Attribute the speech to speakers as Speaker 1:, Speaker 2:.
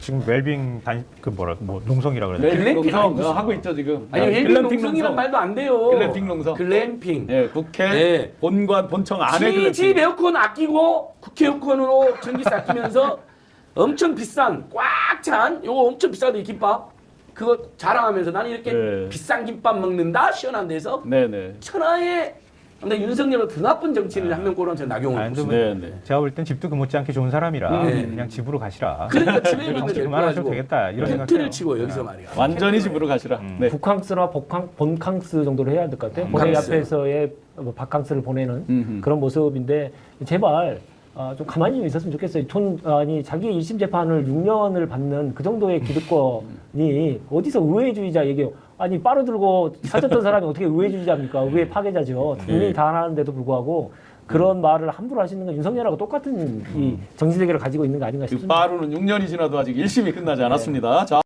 Speaker 1: 지금 웰빙 농성이라 그러나요?
Speaker 2: 글램핑
Speaker 3: 농성
Speaker 2: 아니지.
Speaker 3: 하고 있죠 지금.
Speaker 2: 아니 웰빙
Speaker 3: 글램핑
Speaker 2: 농성이란 말도 안 돼요.
Speaker 3: 글램핑 농성.
Speaker 2: 글램핑.
Speaker 3: 예, 국회
Speaker 2: 네.
Speaker 3: 본청 안에
Speaker 2: 집
Speaker 3: 글램핑.
Speaker 2: 에어컨 아끼고 국회 에어컨으로 전기세 아끼면서 엄청 비싼 꽉 찬 요거 엄청 비싸도 이 김밥 그거 자랑하면서 나는 이렇게
Speaker 3: 네.
Speaker 2: 비싼 김밥 먹는다 시원한 데서
Speaker 3: 네네.
Speaker 2: 천하에 근데 윤석열은 더 나쁜 정치인을 한 명 꼽으면 저는 나경원
Speaker 1: 아니,
Speaker 2: 꼽습니다.
Speaker 3: 네네.
Speaker 1: 제가 볼 땐 집도 그 못지않게 좋은 사람이라
Speaker 2: 네.
Speaker 1: 그냥 집으로 가시라.
Speaker 2: 그러니까 집에 있는
Speaker 1: 정치
Speaker 2: 데
Speaker 1: 그만하셔도 되겠다 이런 생각해요.
Speaker 2: 텐트를 치고 여기서 말이야.
Speaker 3: 완전히 집으로 가시라. 네.
Speaker 4: 북캉스나 본캉스 정도로 해야 될 것 같아요. 본회의
Speaker 2: 캉스.
Speaker 4: 앞에서의 바캉스를 보내는
Speaker 3: 음흠.
Speaker 4: 그런 모습인데 제발 좀 가만히 좀 있었으면 좋겠어요. 아니 자기 1심 재판을 6년을 받는 그 정도의 기득권이 어디서 의회주의자 얘기해요. 아니 빠루 들고 사줬던 사람이 어떻게 의회주의자입니까? 의회 파괴자죠. 국민이 다 하는데도 불구하고 그런 말을 함부로 하시는 건 윤석열하고 똑같은 이 정치 세계를 가지고 있는 거 아닌가
Speaker 3: 그
Speaker 4: 싶습니다.
Speaker 3: 빠루는 6년이 지나도 아직 1심이 끝나지 않았습니다. 자.